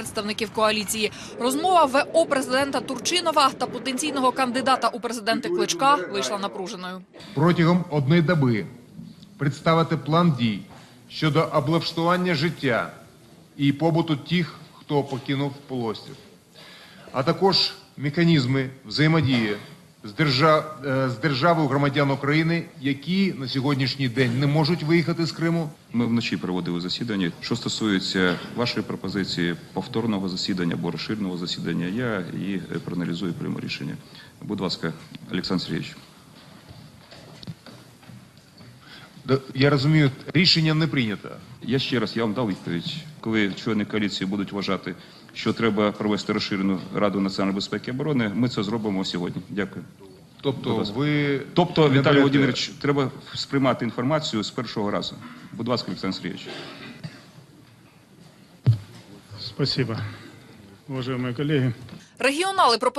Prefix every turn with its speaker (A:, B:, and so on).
A: представників коаліції. Розмова ВО президента Турчинова та потенційного кандидата у президенти Кличка вийшла напруженою.
B: Протягом 1 доби представити план дій щодо облаштування життя і побуту тих, хто покинув полуострів, а також механізми взаємодії з державою громадян України, які на сьогоднішній день не можуть виїхати з Криму.
C: Ми вночі проводили засідання. Що стосується вашої пропозиції повторного засідання або розширеного засідання, я її проаналізую і прийму рішення. Будь ласка, Олександр Сергійович.
B: Я розумію, рішення не прийнято.
C: Я ще раз вам дав відповідь. Коли члени коаліції будуть вважати, що треба провести розширену Раду національної безпеки і оборони, ми це зробимо сьогодні. Дякую.
B: Тобто,
C: Віталій Володимирович, треба сприймати інформацію з першого разу. Будь ласка, Олександр Сергійович.
D: Спасибо, уважаемые коллеги.
A: Регіонали